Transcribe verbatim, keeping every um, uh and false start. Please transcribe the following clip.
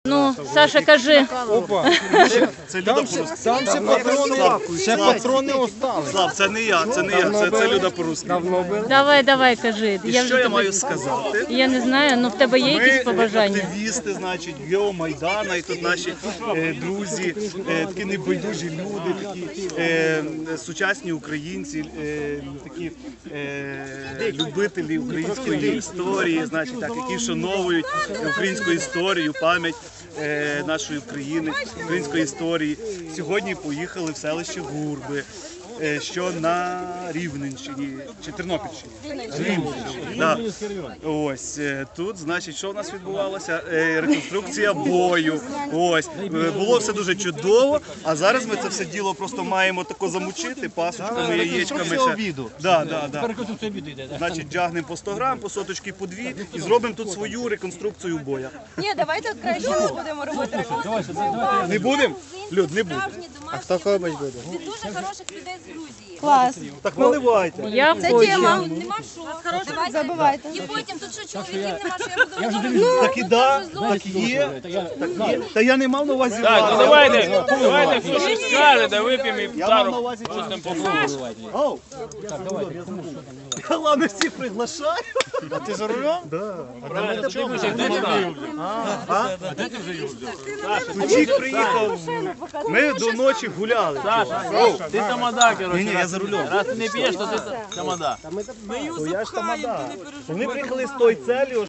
Ну, Саша, кажи. Опа. Це Люда Там ще, по-русски. там ще патрони, ще патрони остались. Слав, це не я, це не я, це, це Люда по-русски. Давно били? Давай, давай, кажи. І Я що вже я тебе... маю сказати? Я не знаю, ну в тебе є Ми якісь побажання? активісти, значить, Геомайдана, і тут наші е, друзі, е, такі небайдужі люди, такі е, сучасні українці, е, такі е, любителі української історії, значить, так, які вшановують українську історію, пам'ять е, нашої України, української історії. Сьогодні поїхали в селище Гурби, е, що на Рівненщині чи Тернопільщині. Рівненщині. Да. Ось е, тут, значить, що в нас відбувалося? Е, Реконструкція бою. Ось е, було все дуже чудово. А зараз ми це все діло просто маємо тако замучити пасочками, яєчками. Ще. Да, да, да. Значить, тягнемо по сто грам, по соточки по дві і зробимо тут свою реконструкцію боя. Ні, давайте краще не будемо робити реконструкцію. Не будемо? Люд, не будемо. А хто кобить буде? Від дуже хороших людей з Грузії. Клас. Так наливайте. Я Це хочу. тема. Нема що. Давайте. Забивайте. І потім тут що чоловіків нема, що я буду готувати. Так і да, так і є. Так є. Та я не мав на увазі. Так, вас. ну давайте, давайте хто щось скаже, да вип'ємо і Я мав на пару увазі щось там попробуємо. Оу. Я ладно всіх приглашаю. А ти за рулем? Чик приїхав. Ми до ночі гуляли. Саша, ти тамада, коротше. Ні, ні, я за рулем. Раз ти не п'єш, то ти тамада. То я ж тамада. Вони приїхали з тою целью,